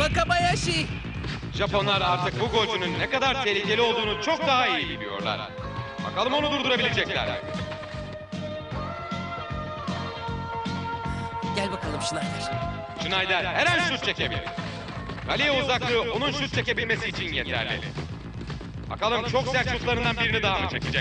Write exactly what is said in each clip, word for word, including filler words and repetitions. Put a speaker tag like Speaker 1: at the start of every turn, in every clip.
Speaker 1: Wakabayashi!
Speaker 2: Japonlar artık bu golcünün ne kadar tehlikeli olduğunu çok daha iyi biliyorlar. Bakalım onu durdurabilecekler mi?
Speaker 1: Gel bakalım Schneider.
Speaker 2: Schneider her an şut çekebilir. Kaleye uzaklığı onun şut çekebilmesi için yeterli. Bakalım çok sert şutlarından birini daha mı çekecek?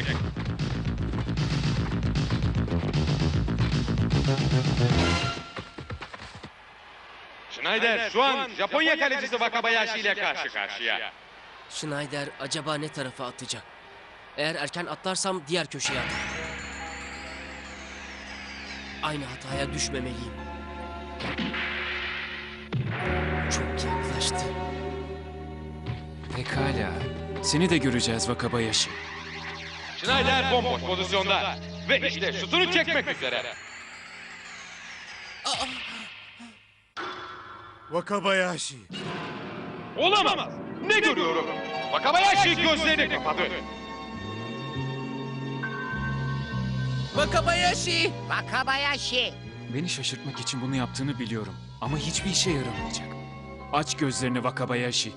Speaker 2: Schneider şu an Japonya kalecisi Wakabayashi ile karşı karşıya.
Speaker 1: Schneider acaba ne tarafa atacak? Eğer erken atlarsam diğer köşeye atar. Aynı hataya düşmemeliyim. Çok yaklaştı.
Speaker 3: Pekala. Seni de göreceğiz Wakabayashi.
Speaker 2: Schneider bomboş pozisyonda ve işte şutunu çekmek üzere.
Speaker 4: Wakabayashi.
Speaker 2: Olamaz. Ne görüyorum? Wakabayashi gözlerini kapadı.
Speaker 1: Wakabayashi!
Speaker 5: Wakabayashi.
Speaker 3: Beni şaşırtmak için bunu yaptığını biliyorum. Ama hiçbir işe yaramayacak. Aç gözlerini Wakabayashi.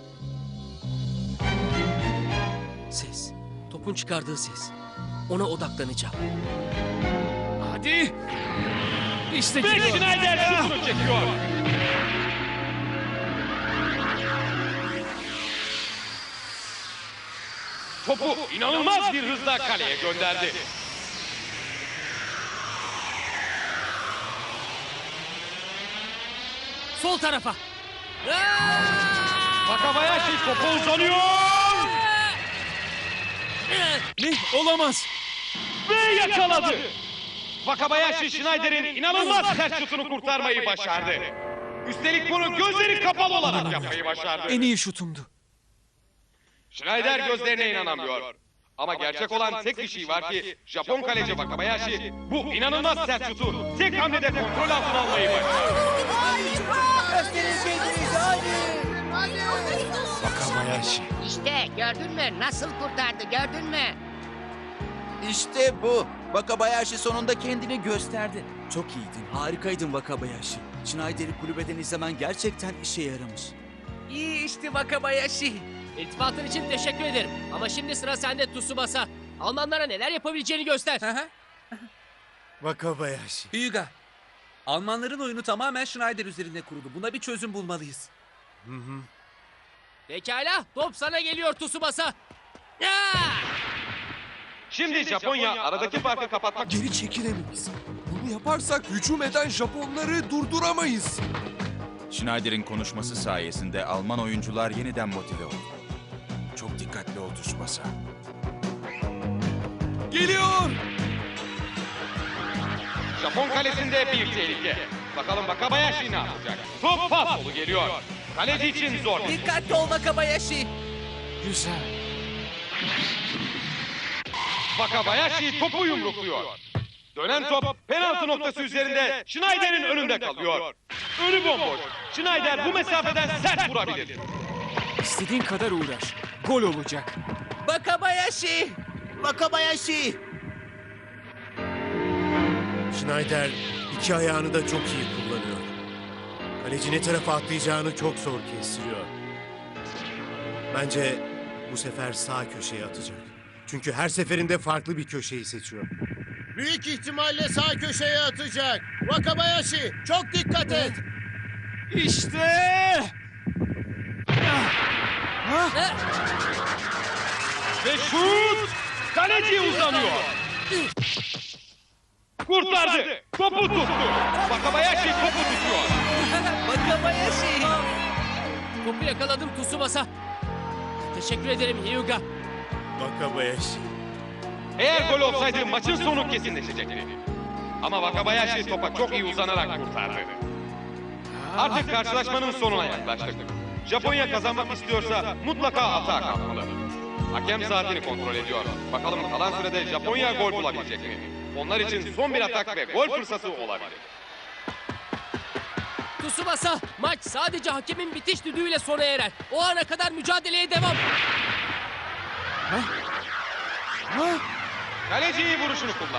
Speaker 1: Ses. Topun çıkardığı ses. Ona odaklanacağım.
Speaker 3: Hadi! İşte
Speaker 2: Ve
Speaker 3: geliyor.
Speaker 2: Schneider şutunu çekiyor. Topu inanılmaz bir hızla kaleye gönderdi.
Speaker 1: Sol tarafa.
Speaker 2: Wakabayashi topa uzanıyor
Speaker 3: Ne? Olamaz.
Speaker 2: ve yakaladı. Wakabayashi Schneider'in inanılmaz sert şutunu kurtarmayı başardı. Üstelik bunu gözleri kapalı olarak yapmayı başardı.
Speaker 3: En iyi şutumdu.
Speaker 2: Schneider gözlerine inanamıyor. Ama gerçek olan tek bir şey var ki Japon kaleci Wakabayashi bu inanılmaz sert şutu tek hamlede kontrol altına almayı başardı.
Speaker 3: Wakabayashi.
Speaker 5: İşte gördün mü? Nasıl kurtardı gördün mü?
Speaker 6: İşte bu. Wakabayashi sonunda kendini gösterdi.
Speaker 7: Çok iyiydin, harikaydın Wakabayashi. Schneider'i kulübeden izlemen gerçekten işe yaramış.
Speaker 1: İyi işte Wakabayashi. İltifatın için teşekkür ederim. Ama şimdi sıra sende Tsubasa. Almanlara neler yapabileceğini göster.
Speaker 4: Wakabayashi.
Speaker 8: Hyuga, Almanların oyunu tamamen Schneider üzerinde kurulu. Buna bir çözüm bulmalıyız.
Speaker 1: Pekala, top sana geliyor Tsubasa. Ya!
Speaker 2: Şimdi Japonya aradaki farkı kapatmak
Speaker 9: Geri çekilemeyiz. Bunu yaparsak hücum eden Japonları durduramayız.
Speaker 6: Schneider'in konuşması sayesinde Alman oyuncular yeniden motive oldu. Çok dikkatli ol Tsubasa.
Speaker 9: Geliyor!
Speaker 2: Japon kalesinde bir tehlike. Bakalım Wakabayashi ne yapacak? Top pas solu geliyor. Kaleci için zor.
Speaker 1: Dikkatli ol Wakabayashi.
Speaker 3: Güzel.
Speaker 2: Wakabayashi topu yumrukluyor. Dönen top penaltı noktası üzerinde Schneider'in önünde kalıyor. Önü bomboş. Schneider bu mesafeden sert vurabilir.
Speaker 3: İstediğin kadar uğraş. Gol olacak.
Speaker 1: Wakabayashi.
Speaker 6: Wakabayashi!
Speaker 4: Schneider iki ayağını da çok iyi kullanıyor. Kaleci ne tarafa atlayacağını çok zor kestiriyor. Bence bu sefer sağ köşeye atacak. Çünkü her seferinde farklı bir köşeyi seçiyor.
Speaker 10: Büyük ihtimalle sağ köşeye atacak. Wakabayashi çok dikkat et.
Speaker 3: İşte!
Speaker 2: Ve şut! Kaleci uzanıyor. Kurtardı. Topu tuttu. Wakabayashi topu tutuyor.
Speaker 1: Wakabayashi. Topu yakaladım Tsubasa. Teşekkür ederim Hyuga.
Speaker 4: Wakabayashi.
Speaker 2: Eğer gol olsaydı maçın sonu kesinleşecekti. Ama Wakabayashi topa çok iyi uzanarak kurtardı. Artık karşılaşmanın sonuna yaklaştık. Japonya kazanmak istiyorsa mutlaka atağa kalkmalı. Hakem saatini kontrol ediyor. Bakalım kalan sürede Japonya gol bulabilecek mi? Onlar için son bir atak ve gol fırsatı olabilir.
Speaker 1: Tsubasa, maç sadece hakemin bitiş düdüğüyle sona erer. O ana kadar mücadeleye devam.
Speaker 2: Kaleci iyi vuruşunu kullandı.